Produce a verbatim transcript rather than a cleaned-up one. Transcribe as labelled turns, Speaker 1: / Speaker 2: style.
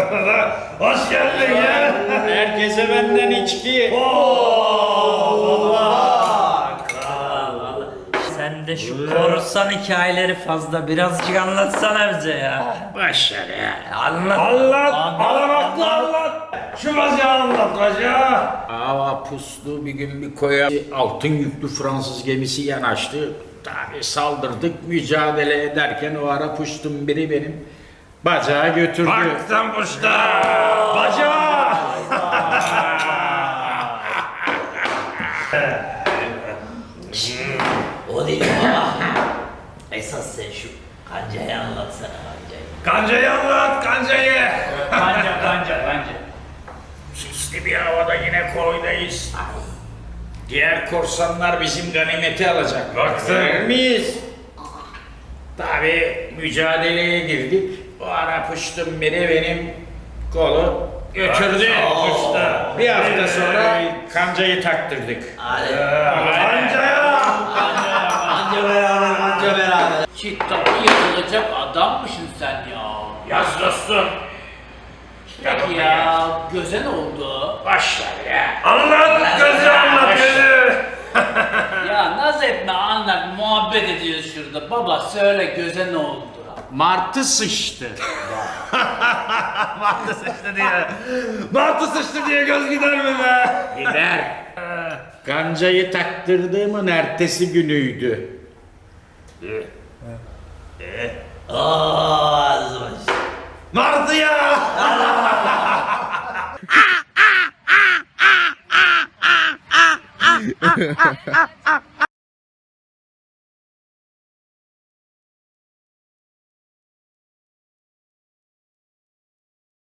Speaker 1: Hoş geldin ya.
Speaker 2: Herkese benden içki.
Speaker 3: Sen de şu korsan hikayeleri fazla birazcık anlatsana bize ya.
Speaker 2: Başlar ya.
Speaker 3: Anlat.
Speaker 1: Anlat, alamaklı anlat. Şu bacağı anlat bacağı.
Speaker 2: Hava puslu bir gün bir koya altın yüklü Fransız gemisi yanaştı. Tabi saldırdık, mücadele ederken o ara puştum biri benim bacağı götürdü.
Speaker 1: Baktım usta. Bacağı.
Speaker 3: O değil baba. Esas sen şu kancayı anlatsana kancayı.
Speaker 1: Kancayı anlat, kancayı.
Speaker 3: Kanca kanca kanca.
Speaker 2: Sisli bir havada yine koydayız. Diğer korsanlar bizim ganimeti alacak.
Speaker 1: Baksana.
Speaker 2: miyiz? Tabi mücadeleye girdik. O ara puştum biri benim kolu götürdü.
Speaker 1: Usta.
Speaker 2: Bir hafta sonra kancayı taktırdık.
Speaker 3: Hadi.
Speaker 1: Kancaya.
Speaker 3: Kanca beraber kanca beraber. Çittaki yazılacak adammışsın sen ya.
Speaker 2: Yaz dostum.
Speaker 3: Peki ya göze ne oldu?
Speaker 2: Başlar ya.
Speaker 1: Anlat, gözü anlat gözü.
Speaker 3: Ya naz etme anlat muhabbet ediyoruz şurada. Baba söyle göze ne oldu?
Speaker 2: Martı sıçtı.
Speaker 1: Martı sıçtı diye. Martı sıçtı diye göz gider mi be?
Speaker 2: Gider. Kancayı taktırdığımın ertesi günüydü.
Speaker 3: Aaa azmış.
Speaker 1: Martı ya.